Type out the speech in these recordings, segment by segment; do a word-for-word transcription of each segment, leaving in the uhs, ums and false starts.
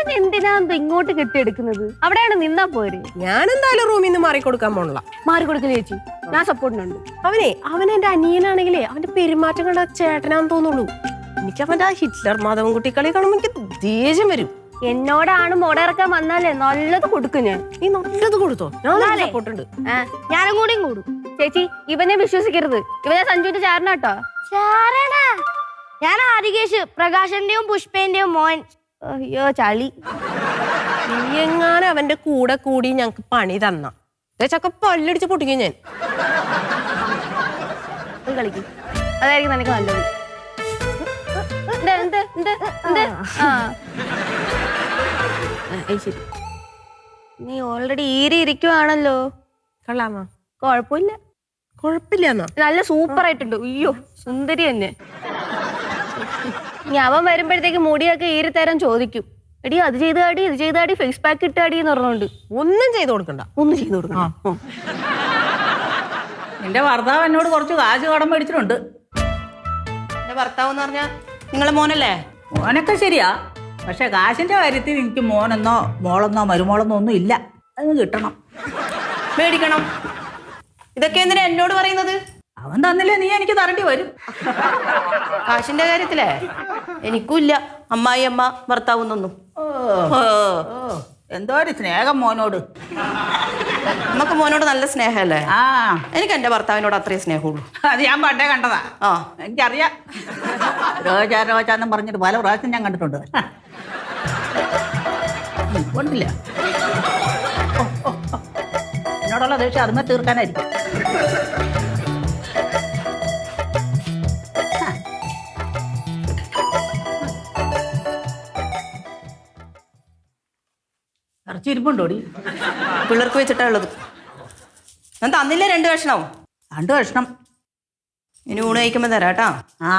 അവൻ എന്തിനാ ഇങ്ങോട്ട് കെട്ടിയെടുക്കുന്നത്? അവിടെയാണ് നിന്നാ പോര്. ഞാൻ എന്തായാലും റൂമിൽ നിന്ന് മാറിക്കൊടുക്കാൻ പോണില്ല. മാറിക്കൊടുക്കില്ല ചേച്ചി, ഞാൻ സപ്പോർട്ടിനുണ്ട്. അവനെ അവൻ എന്റെ അനിയനാണെങ്കിലേ അവന്റെ പെരുമാറ്റം കണ്ട ചേട്ടനാന്ന് തോന്നുള്ളൂ. എനിക്ക് അവന്റെ ആ ഹിറ്റ്ലർ മാധവൻകുട്ടി കളി കാണുമ്പോ എനിക്ക് ദേഷ്യം വരും. എന്നോടാണ് മുടയിറക്കാൻ വന്നാലേ നല്ലത് കൊടുക്കും ഞാൻ. നീ നല്ലത് കൊടുത്തോ? ഞാൻ സപ്പോർട്ടുണ്ട്. ഞാനും കൂടിയും കൂടും. ചേച്ചി ഇവനെ വിശ്വസിക്കരുത്, ഇവനെ സഞ്ജുവിന്റെ ചാരനാട്ടോ. ചാരണ? ഞാൻ ആദികേശ്, പ്രകാശന്റെയും പുഷ്പേന്റെയും മോൻ. അയ്യോ ചളി. നീ എങ്ങാനും അവന്റെ കൂടെ കൂടി ഞങ്ങക്ക് പണി തന്ന ചക്ക പല്ലടിച്ച് പൊട്ടിക്കും ഞാൻ. കളിക്കും, അതായിരിക്കും നിനക്ക് നല്ലത്. നീ ഓൾറെഡി ഈരി ഇരിക്കുവാണല്ലോ. കൊള്ളാമോ? കൊഴപ്പില്ല. കൊഴപ്പില്ല, നല്ല സൂപ്പർ ആയിട്ടുണ്ട്. അയ്യോ സുന്ദരി തന്നെ. ഇനി അവൻ വരുമ്പോഴത്തേക്ക് മുടിയൊക്കെ ഈരി തരാൻ ചോദിക്കും. എടി അത് ചെയ്താടി ഇത് ചെയ്താടി ഫേസ് പാക്ക് ഇട്ടാടി എന്ന് പറഞ്ഞോണ്ട്. ഒന്നും ചെയ്ത് കൊടുക്കണ്ട, ഒന്നും ചെയ്ത് കൊടുക്കണം. എന്റെ ഭർത്താവ് എന്നോട് കുറച്ച് കാശ് കടം മേടിച്ചിട്ടുണ്ട്. എന്റെ ഭർത്താവ് എന്ന് പറഞ്ഞാ നിങ്ങളെ മോനല്ലേ? മോനൊക്കെ ശരിയാ, പക്ഷെ കാശിന്റെ കാര്യത്തിൽ എനിക്ക് മോനെന്നോ മോളെന്നോ മരുമോളെന്നോ ഒന്നും ഇല്ല. അത് കിട്ടണം, മേടിക്കണം. ഇതൊക്കെ എന്തിനാ എന്നോട് പറയുന്നത്? അവൻ തന്നില്ലേ നീ എനിക്ക് തരേണ്ടി വരും. കാശിന്റെ കാര്യത്തിലേ എനിക്കും ഇല്ല അമ്മായി അമ്മ ഭർത്താവുന്നൊന്നും. എന്തോ ഒരു സ്നേഹം മോനോട്. നമുക്ക് മോനോട് നല്ല സ്നേഹമല്ലേ? ആ, എനിക്ക് എന്റെ ഭർത്താവിനോട് അത്രയും സ്നേഹമുള്ളൂ. അത് ഞാൻ പണ്ടേ കണ്ടതാ. ആ, എനിക്കറിയാം. രോജാ രോജാന്നും പറഞ്ഞിട്ട് പല പ്രാവശ്യം ഞാൻ കണ്ടിട്ടുണ്ട്. കൊണ്ടില്ല എന്നോടുള്ള ദേഷ്യം അതുമേ തീർക്കാനായിരിക്കും. ഇറച്ചിരിപ്പുണ്ടോടി? പിള്ളേർക്ക് വെച്ചിട്ടാ ഉള്ളത്. ഞാൻ തന്നില്ലേ രണ്ട് കഷ്ണവും? രണ്ട് കഷ്ണം ഇനി ഊണ് കഴിക്കുമ്പോ തരാം കേട്ടാ. ആ,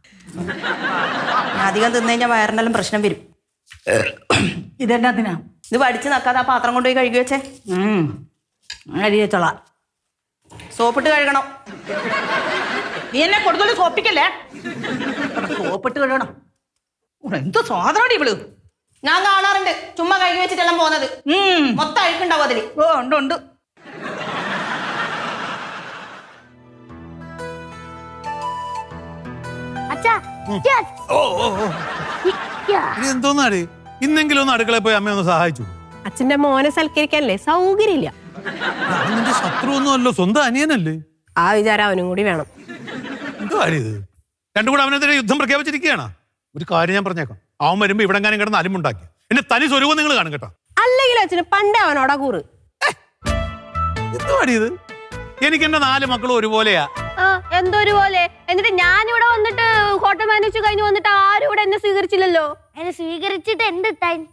ഞാൻ അധികം തിന്നു കഴിഞ്ഞാൽ വയറിനെല്ലാം പ്രശ്നം വരും. ഇതെന്നാത്തിനാ? ഇത് വടിച്ച് നക്കാതെ ആ പാത്രം കൊണ്ടുപോയി കഴുകി വെച്ചേ. അരിയച്ചോള. സോപ്പിട്ട് കഴുകണം. നീ എന്നെ കൊടുത്തോളൂ സോപ്പിക്കല്ലേ? സോപ്പിട്ട് കഴുകണം. എന്ത് സ്വാതന്ത്ര്യം ഇവള്. ഞാൻ കാണാറുണ്ട് ചുമ്മാ കഴുകി വെച്ചിട്ടെല്ലാം പോകുന്നത്. മൊത്തം അഴുക്കുണ്ടാവും അതില്. ഓ ഉണ്ട് ഉണ്ട്. എന്തോന്നാടി ഇന്നെങ്കിലും ഒന്ന് അടുക്കളയിൽ പോയി അമ്മ ഒന്ന് സഹായിച്ചു. അച്ഛന്റെ മോനെ സൽക്കരിക്കാനല്ലേ സൗകര്യമില്ല. നിന്റെ ശത്രു ഒന്നും അല്ലോ, സ്വന്തം അനിയനല്ലേ. ആ വിചാരം അവനും കൂടി വേണം. എന്തോ കാര്യം ഇത്? രണ്ടും കൂടെ അവനെതിരെ യുദ്ധം പ്രഖ്യാപിച്ചിരിക്കുകയാണ്. ഒരു കാര്യം ഞാൻ പറഞ്ഞേക്കാം, അവൻ വരുമ്പോ ഇവിടെങ്ങാനും കിടന്ന് അലിമുണ്ടാക്കി എന്നെ തനി സ്വരൂപം നിങ്ങൾ കാണും കേട്ടോ. അല്ലെങ്കിൽ അച്ഛന് പണ്ടേ അവനോടാ കൂറ്. എന്തോ അടി ഇത്? എനിക്ക് എന്റെ നാല് മക്കളും ഒരുപോലെയാ. എന്തൊരു പോലെ. എന്നിട്ട് ഞാനിവിടെ വന്നിട്ട് ഹോട്ടൽ മാനേജ് കഴിഞ്ഞ് വന്നിട്ട് ആരും ഇവിടെ എന്നെ സ്വീകരിച്ചില്ലല്ലോ. എന്നെ സ്വീകരിച്ചിട്ട് എന്ത്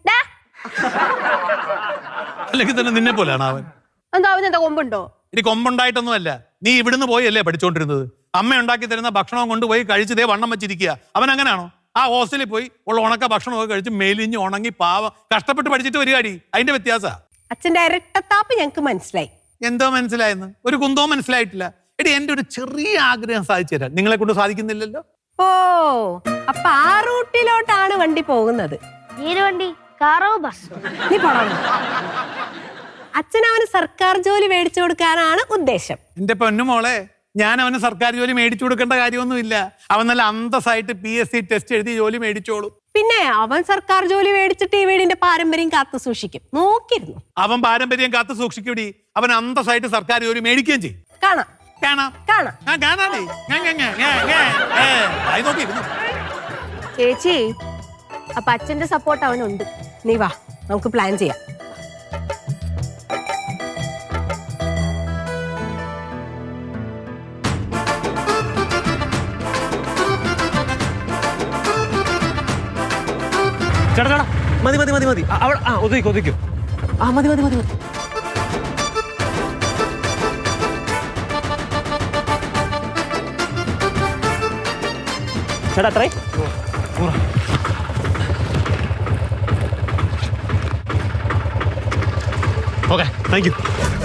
അല്ലെങ്കിൽ തന്നെ നിന്നെ പോലെയാണ് അവൻ. എന്താ അവൻ എന്താ കൊമ്പുണ്ടോ? ഇനി കൊമ്പുണ്ടായിട്ടൊന്നും അല്ല, നീ ഇവിടുന്ന് പോയി അല്ലേ പഠിച്ചോണ്ടിരുന്നത്. അമ്മ ഉണ്ടാക്കി തരുന്ന ഭക്ഷണം കൊണ്ടുപോയി കഴിച്ചതേ വണ്ണം വെച്ചിരിക്കുക. അവൻ അങ്ങനെയാണോ? ആ ഹോസ്റ്റലിൽ പോയി ഉള്ള ഉണക്ക ഭക്ഷണമൊക്കെ കഴിച്ച് മെലിഞ്ഞ് ഉണങ്ങി പാവം കഷ്ടപ്പെട്ട് പഠിച്ചിട്ട് വരികയാടി. അതിന്റെ വ്യത്യാസ. അച്ഛന്റെ ഇരട്ടത്താപ്പ് ഞങ്ങക്ക് മനസ്സിലായി. എന്തോ മനസ്സിലായെന്ന്? ഒരു കുന്തോ മനസ്സിലായിട്ടില്ല. എടി എന്റെ ഒരു ചെറിയ ആഗ്രഹം സാധിച്ചു തരാൻ നിങ്ങളെ കൊണ്ട് സാധിക്കുന്നില്ലല്ലോ. ഓ, അപ്പൊ ആ റൂട്ടിലോട്ടാണ് വണ്ടി പോകുന്നത്. ഏത് വണ്ടി? കാറോ ബസ്? നീ പോണം. അച്ഛൻ അവന് സർക്കാർ ജോലി മേടിച്ചു കൊടുക്കാനാണ് ഉദ്ദേശം. എന്റെ പൊന്നുമോളെ, ഞാൻ അവന് സർക്കാർ ജോലി മേടിച്ചു കൊടുക്കേണ്ട കാര്യമൊന്നുമില്ല. അവൻ നല്ല അന്തസ്സായിട്ട് പി എസ് സി ടെസ്റ്റ് എഴുതി ജോലി മേടിച്ചോളൂ. പിന്നെ അവൻ സർക്കാർ ജോലി മേടിച്ചിട്ട് ഈ വീടിന്റെ പാരമ്പര്യം കാത്തു സൂക്ഷിക്കും. നോക്കിയിരുന്നു. അവൻ പാരമ്പര്യം കാത്തു സൂക്ഷിക്കൂടി. അവൻ അന്തസ്സായിട്ട് സർക്കാർ ജോലി മേടിക്കുകയും ചെയ്യും. കാണാം കാണാം കാണാം ആ കാണാടി. നോക്കിയിരുന്നു. ചേച്ചി അപ്പൊ അച്ഛന്റെ സപ്പോർട്ട് അവനുണ്ട്. നീ വാ, നമുക്ക് പ്ലാൻ ചെയ്യാം. ചേട്ടാ ചേട്ടാ മതി മതി മതി മതി അവിടെ ആ ഒതുക്കും ഒതുക്കും ആ മതി മതി മതി മതി ചേട്ടാ അത്രേ. Okay thank U.